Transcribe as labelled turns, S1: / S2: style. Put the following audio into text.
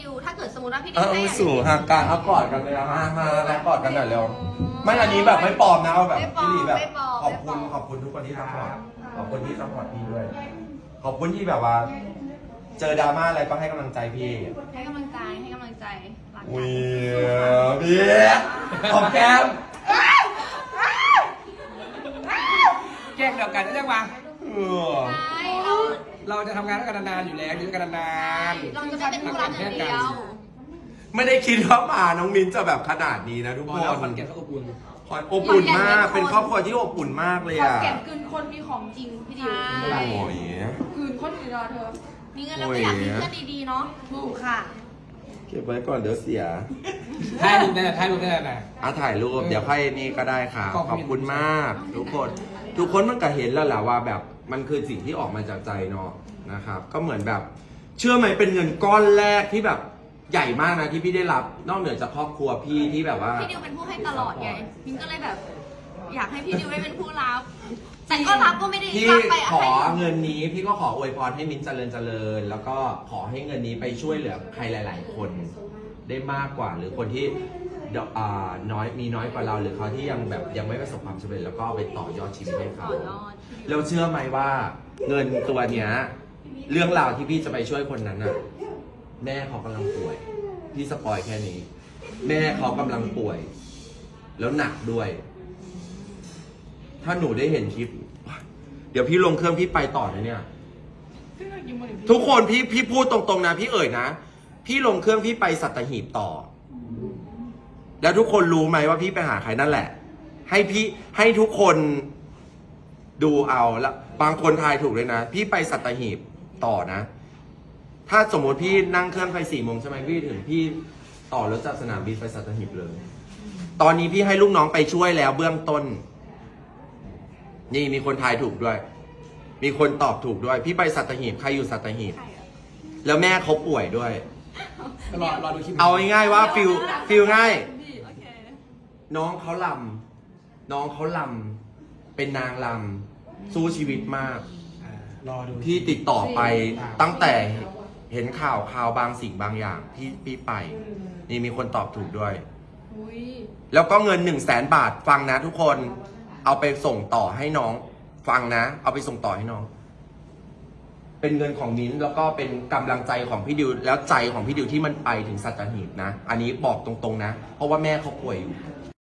S1: ดิวถ้าเกิดสมมติว่าพี่ดิวได้
S2: สู่ห่างกันเอากอดกันเลยมาแล้วกอดกันหน่อยเร็วไม่อันนี้แบบไม่ปลอมนะเอาแบบพี่ลีแบบขอบคุณทุกคนที่ซัพพอร์ตขอบคุณที่ซัพพอร์ตพี่ด้วยขอบคุณที่แบบว่า เจอดราม่าอะไรก็ให้กำลังใจพี่
S1: ให้กำลังใจรักกัน
S2: อุ้ยพี่ขอบแก้ม
S3: แกล้งเดียวกันได้ยังวะ
S1: ใช่
S3: เราจะทำงานด้วยกันนานๆอยู่แล้วอยู่ด้วยกันนาน
S1: เราจะไม่เป็นคู่รักอย่างเดียว
S2: ไม่ได้คิดว่ามาน้องมิ้นจะแบบขนาดนี้นะทุก
S3: ๆ
S2: ค
S3: พ
S2: น
S3: อแล้วคอนแก่นก็อบอุ่น
S2: อบอุ่นมากเป็นครอบครัวที่อบอุ่นมากเลย
S4: ขอน
S2: อ่ะ
S4: แก่นกลืนคนมีของจริงพี่ดิว
S2: โอ้ย
S4: กลืนคนอื่นรอเธอ
S1: มีเงินแล้วก็อยากมีเพื่อนดีๆเนาะถูกค่ะ
S2: เก็บไว้ก่อนเดี๋ยวเสีย
S3: ถ่ายรูปได้นะ
S2: ถ่ายรูปเดี๋ยวค่อยนี่ก็ได้ค่ะขอบคุณมาก ทุกคนมันก็เห็นแล้วแหละว่าแบบมันคือสิ่งที่ออกมาจากใจเนาะนะครับก็เหมือนแบบเชื่อไหมเป็นเงินก้อนแรกที่แบบใหญ่มากนะที่พี่ได้รับนอกเหนือจากครอบครัวพี่ที่แบบว่า
S1: พี่ดิวเป็นผู้ให้ตลอดไงมินก็เลยแบบ อยากให้พี่ดิวได้เป็นผู้รับแต่ก็รับก็ไม่ได้
S2: พี่
S1: รับไป
S2: ขอเงินนี้พี่ก็ขออวยพรให้มิ้นเจริญแล้วก็ขอให้เงินนี้ไปช่วยเหลือใครหลาย ๆ คนได้มากกว่าหรือคนที่น้อยกว่าเราหรือเขาที่ยังแบบยังไม่ประสบความสำเร็จแล้วก็เอาไปต่อยอดชีวิตให้เขาแล้วเชื่อไหมว่าเงินตัวเนี้ยเรื่องราวที่พี่จะไปช่วยคนนั้นน่ะแม่เขากำลังป่วยพี่สปอยแค่นี้ แม่เขากำลังป่วย แล้วหนักด้วย ถ้าหนูได้เห็นคลิป เดี๋ยวพี่ลงเครื่องพี่ไปต่อนะเนี่ย ทุกคนพี่พูดตรงๆนะพี่เอ่ยนะพี่ลงเครื่องพี่ไปสัตหีบต่อ แล้วทุกคนรู้ไหมว่าพี่ไปหาใครนั่นแหละ ให้ทุกคนดูเอาแล้วบางคนทายถูกเลยนะพี่ไปสัตหีบต่อนะ ถ้าสมมติพี่นั่งเครื่องไป4 โมงใช่ไหมพี่ถึงพี่ต่อรถจากสนามบินไปสัตหีบเลย ตอนนี้พี่ให้ลูกน้องไปช่วยแล้วเบื้องต้น นี่มีคนทายถูกด้วย มีคนตอบถูกด้วย พี่ไปสัตหีบใครอยู่สัตหีบแล้วแม่เขาป่วยด้วย
S3: รอดูคลิป
S2: เอาง่ายๆว่าฟิลง่ายน้องเขาลำเป็นนางลำสู้ชีวิตมาก
S3: รอดู
S2: พี่ติดต่อไปตั้งแต่เห็นข่าวบางสิ่งบางอย่างพี่ไป นี่มีคนตอบถูกด้วย แล้วก็เงิน100,000 บาทฟังนะทุกคนเอาไปส่งต่อให้น้องฟังนะเอาไปส่งต่อให้น้อง เป็นเงินของมิ้นแล้วก็เป็นกำลังใจของพี่ดิวแล้วใจของพี่ดิวที่มันไปถึงสัตหีบนะอันนี้บอกตรงๆนะเพราะว่าแม่เขาป่วยอยู่